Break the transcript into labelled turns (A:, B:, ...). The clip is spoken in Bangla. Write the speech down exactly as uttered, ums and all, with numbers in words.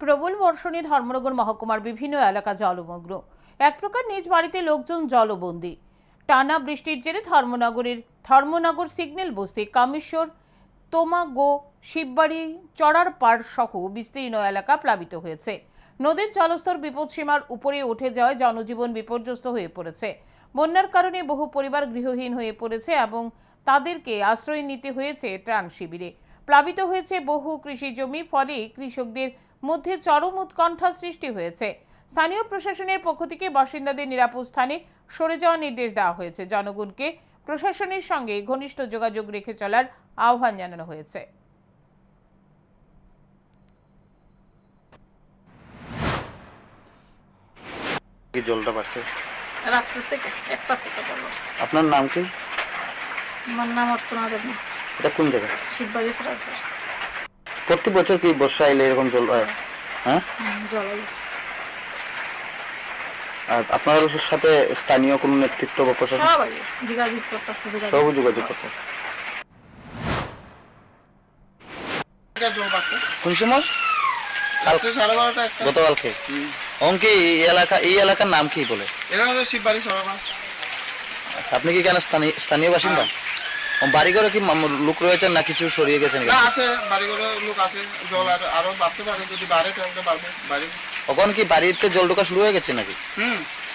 A: প্রবল বর্ষণে ধর্মনগর মহকুমার বিভিন্ন এলাকা জলমগ্ন। এক প্রকার নিজ বাড়িতে লোকজন জলবন্দী। টানা বৃষ্টির জেরে ধর্মনগরের ধর্মনগর সিগন্যাল বস্তি, কামেশ্বর, তোমাগো, শিববাড়ি, চড়ার পাড় সহ বিস্তীর্ণ এলাকা প্লাবিত হয়েছে। নদীর জলস্তর বিপদসীমার উপরে উঠে যাওয়ায় জনজীবন বিপর্যস্ত হয়ে পড়েছে। বন্যার কারণে বহু পরিবার গৃহহীন হয়ে পড়েছে এবং তাদেরকে আশ্রয় নিতে হয়েছে ত্রাণ শিবিরে। প্লাবিত হয়েছে বহু কৃষি জমি, ফলে কৃষকদের মধ্যে চরম উৎকণ্ঠা সৃষ্টি হয়েছে। স্থানীয় প্রশাসনের পক্ষ থেকে বাসিন্দাদের নিরাপদ স্থানে সরে যাওয়ার নির্দেশ দেওয়া হয়েছে। জনগণকে প্রশাসনের সঙ্গে ঘনিষ্ঠ যোগাযোগ রেখে চলার আহ্বান জানানো হয়েছে।
B: কি জলটা বাড়ছে?
C: রাত্রে থেকে একটা থেকে জল আসছে।
B: আপনার নাম কি?
C: আমার নাম অর্চনা দেবী,
B: এটা কোন জায়গা?
C: শিববাড়ি সরাসরি
B: প্রতি বছর কি বর্ষা এলে এরকম জল হয়? হ্যাঁ,
C: জলাই।
B: আর আপনার সাথে স্থানীয় কোনো নেতৃত্ব বা প্রশাসন
C: সবাই যোগাযোগ করতেছে,
B: সব যোগাযোগ করতেছে? কোন সময়?
D: রাত্রে সাড়ে বারোটা একটা।
B: গতকালকে অঙ্কে এই এলাকা এই এলাকার নাম কি বলে?
D: এখানে তো শিববাড়ি সরবা।
B: আচ্ছা, আপনি কি কেন স্থানীয় স্থানীয় বাসিন্দা? বাড়ি ঘরে কি মাম- লোক রয়েছেন না কিছু সরিয়ে গেছেন?
D: না, আছে বাড়ি ঘরে লোক আছে। জল আর আরো বাড়তে পারে, যদি বাড়ে তাহলে বাড়বে বাড়ি।
B: তখন কি বাড়িতে জল ঢোকা শুরু হয়ে গেছে নাকি?
D: হুম